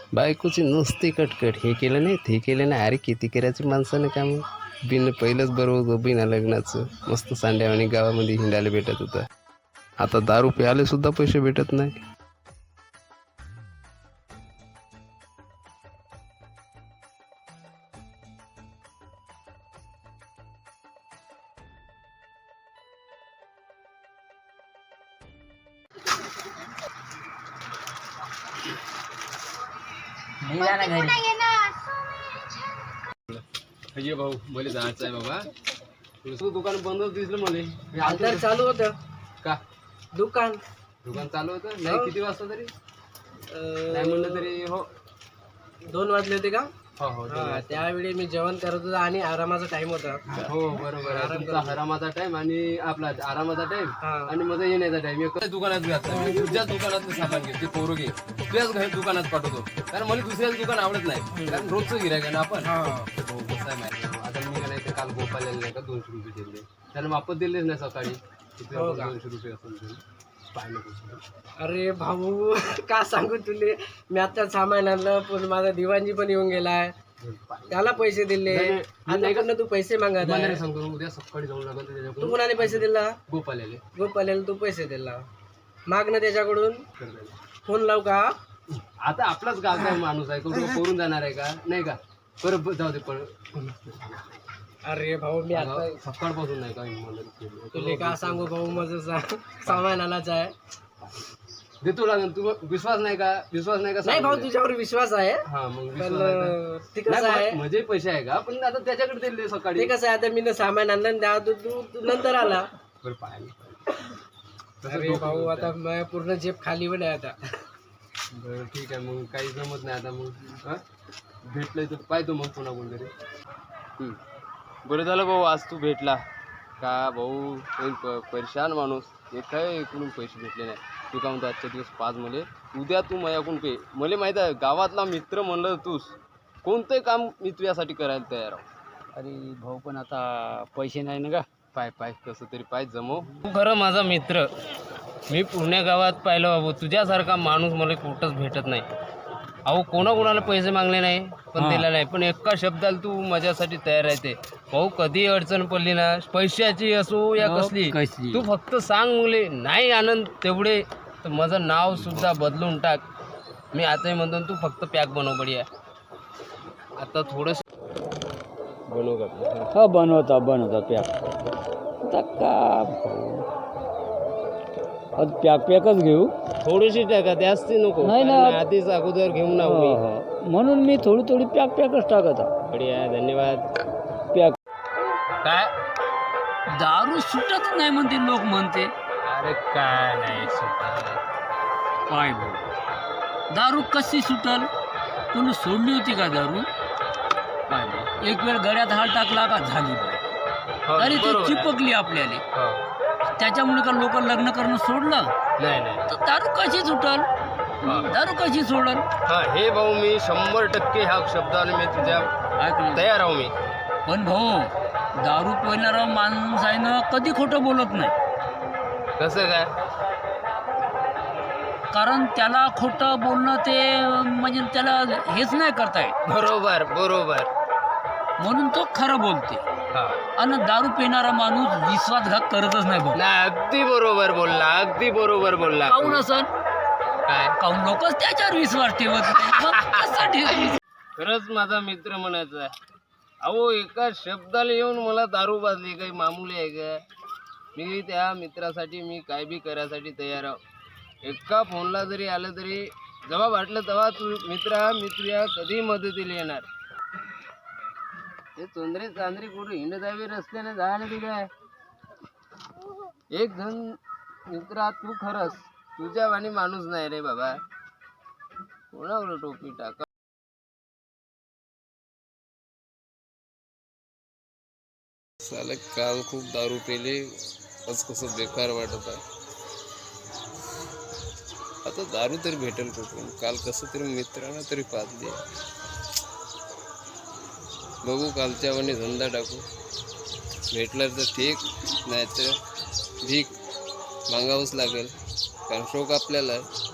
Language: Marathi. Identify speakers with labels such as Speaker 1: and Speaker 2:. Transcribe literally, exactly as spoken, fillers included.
Speaker 1: बायकोची नुसती कटकट, हे केलं नाही ते केलं नाही. अरे किती करायची माणसानं काम. बिन पहिलंच बरोबर बिना लग्नाचं मस्त सांड्यावानी गावामध्ये हिंडायला भेटत होतं. आता दारू प्यायला सुद्धा पैसे भेटत नाही.
Speaker 2: अय्ये भाऊ मला जायचं आहे बाबा. तुझं दुकान बंदच दिसलं मला.
Speaker 3: अंतर चालू होतं
Speaker 2: का
Speaker 3: दुकान
Speaker 2: दुकान चालू होतं नाही? किती वाजता तरी नाही म्हणलं तरी हो
Speaker 3: दोन वाजले होते का?
Speaker 2: हो हो दोन
Speaker 3: हा,
Speaker 2: वाजता.
Speaker 3: त्यावेळी मी जेवण करत होतो आणि आरामाचा टाइम होता.
Speaker 2: हो बरोबर आहे. तुमचा आरामाचा टाइम आणि आपला आरामाचा टाइम
Speaker 3: हा.
Speaker 2: आणि माझा येण्याचा टाइम एकच दुकानात घातला. मी तुझ्याच दुकानात सामान घे, ते पोरं घे, तुझ्याच घरी दुकानात पाठवतो. कारण मला दुसऱ्याच दुकान आवडत नाही. कारण रोजचं गिऱ्हाईक आहे ना आपण. हो कसं आहे माहिती आहे. आता मी नाही ते काल गोपाल नाही का दोनशे रुपये दिले, त्याला वापस दिलेच नाही सकाळी. किती
Speaker 3: हो का?
Speaker 2: दोनशे रुपये असेल पाहिलं कसं.
Speaker 3: अरे भाऊ का सांगू तुले, मी आता सामान आणलं पण माझा दिवाणजी पण येऊन गेलाय, त्याला पैसे दिले. आता तू पैसे मागत
Speaker 2: मला
Speaker 3: आहे.
Speaker 2: नाही सांगतो, उद्या सकाळी जाऊन लागेल
Speaker 3: तू
Speaker 2: त्याच्याकडून
Speaker 3: कोणाला पैसे दिला?
Speaker 2: गोपाल आले
Speaker 3: गोपाल्याला तू पैसे दिला, माग ना त्याच्याकडून. फोन लावू का?
Speaker 2: आता आपलाच गावचा माणूस आहे, करून करून जाणार आहे का नाही का? परत जाऊ दे. पण
Speaker 3: अरे भाऊ मी आता
Speaker 2: सकाळपासून नाही का मला
Speaker 3: तुले का सांगू भाऊ, माझं सा- सामान आणायचं आहे.
Speaker 2: देतो लागेल. तू विश्वास नाही का? विश्वास नाही का?
Speaker 3: नाही भाऊ तुझ्यावर विश्वास आहे,
Speaker 2: हा मग
Speaker 3: पण
Speaker 2: विश्वास आहे का?
Speaker 3: ते कसं
Speaker 2: नाही,
Speaker 3: आहे,
Speaker 2: म्हणजे पैसे आहे का? पण आता त्याच्याकडे दिले
Speaker 3: ते
Speaker 2: सकाळी.
Speaker 3: कसं आहे, आता मी ना सामान आणलं आणि त्या तू तू- तू नंतर आला.
Speaker 2: बरं पाहिजे.
Speaker 3: अरे भाऊ आता माझ्या पूर्ण जेब खाली पण आहे आता.
Speaker 2: बरं ठीक आहे, मग काही जमत नाही आता. मग हा भेटलंय तर पाहतो मग पुन्हा कोणतरी. बरं झालं भाऊ आज तू भेटला का भाऊ. प- परेशान माणूस, एक काय इकडून पैसे भेटले नाही. तू का म्हणतो आजच्या दिवस पाच मले, उद्या तू माझ्याकडून पे. मला माहीत आहे गावातला मित्र म्हणलं तूच, कोणतंही काम मी तुझ्यासाठी करायला तयार आहो.
Speaker 4: अरे भाऊ पण आता पैसे नाही ना का.
Speaker 2: पाय पाय कसं तरी पाय जमव.
Speaker 1: तू खरं माझा मित्र. मी पुण्या गावात पाहिलं बाबू, तुझ्यासारखा माणूस मला कुठंच भेटत नाही. अहो कोणाकोणाला पैसे मागले नाही पण
Speaker 4: हा.
Speaker 1: दिला नाही, पण एका शब्दाला तू माझ्यासाठी तयार राहते भाऊ. कधी अडचण पडली ना, पैशाची असो या
Speaker 4: हो,
Speaker 1: कसली,
Speaker 4: कसली.
Speaker 1: तू फक्त सांग मुले. नाही आनंद तेवढे तर माझं नाव सुद्धा बदलून टाक. मी आताही म्हणतो तू फक्त पॅक बनव बढिया. आता थोडंसं बनव का.
Speaker 4: हा बनवता बनवता पॅक. आता का भाऊ आज पॅक पॅकच घेऊ.
Speaker 1: थोडीशी टाका, जास्ती नको.
Speaker 4: नाही ना.
Speaker 1: कारण आधीच अगोदर घेऊन ना
Speaker 4: हो, हो. म्हणून मी थोडी थोडी पॅक पॅकच टाकत आहे.
Speaker 1: बढिया धन्यवाद.
Speaker 4: पॅक.
Speaker 1: काय
Speaker 4: दारू सुटत नाही म्हणते लोक म्हणते.
Speaker 1: अरे काय नाही सुटत.
Speaker 4: काय भाऊ दारू कशी सुटल? कोणी सोडली होती का दारू? काय भाऊ एक वेळ गड्यात हात टाकला का झाली बाई.
Speaker 1: हो,
Speaker 4: तरी ती
Speaker 1: बरोबर आहे.
Speaker 4: चिपकली आपल्याला.
Speaker 1: हो.
Speaker 4: त्याच्यामुळे का लोक लग्न करणं सोडलं
Speaker 1: नाही नाही
Speaker 4: तर दारू कशी सुटल? दारू कशी सोडल?
Speaker 1: हा हे भाऊ मी शंभर टक्के ह्या शब्दाने मी तुझ्या
Speaker 4: ऐक ना.
Speaker 1: तयार आहो मी.
Speaker 4: पण भाऊ दारू पिणारा माणूस आहे ना कधी खोटं बोलत नाही.
Speaker 1: कसं काय?
Speaker 4: कारण त्याला खोटं बोलणं ते म्हणजे त्याला हेच नाही करता येत,
Speaker 1: बरोबर बरोबर.
Speaker 4: म्हणून तो खरं बोलते.
Speaker 1: हा
Speaker 4: आणि दारू पिणारा माणूस विश्वासघात करतच नाही भाऊ.
Speaker 1: नाही अगदी बरोबर बोलला, अगदी बरोबर बोलला.
Speaker 4: काहून असं
Speaker 1: काय
Speaker 4: काहून लोकच त्याच्यावर विश्वास ठेवत नाही. मग कशासाठी विश्वास?
Speaker 1: खरंच माझा मित्र म्हणायचा आहे. अहो एका शब्दाला येऊन मला दारू बाजली काही मामूली आहे का? मी त्या मित्रासाठी मी काय बी करायसाठी तयार आहो. एका फोनला जरी आलं तरी जेव्हा वाटलं तेव्हा तू मित्रा मित्रिया कधी मदतीला येणार. ते चोंदरे चांदरी कुठे हिंडदावी रस्त्याने जायला ती काय एक जण मित्रा तू खरंच तुझ्या वाणी माणूस नाही रे बाबा. कोणावर टोपी टाका. साले काल खूप दारू पेले, आज कसं बेकार वाटत आहे. आता दारू तरी भेटेल कुठून? काल कसं तरी मित्रांना तरी पाजली. बघू कालच्या वाणी धंदा टाकू. भेटला तर ठीक, नाही तर भीक मागावंच लागेल. कारण शोक आपल्याला आहे.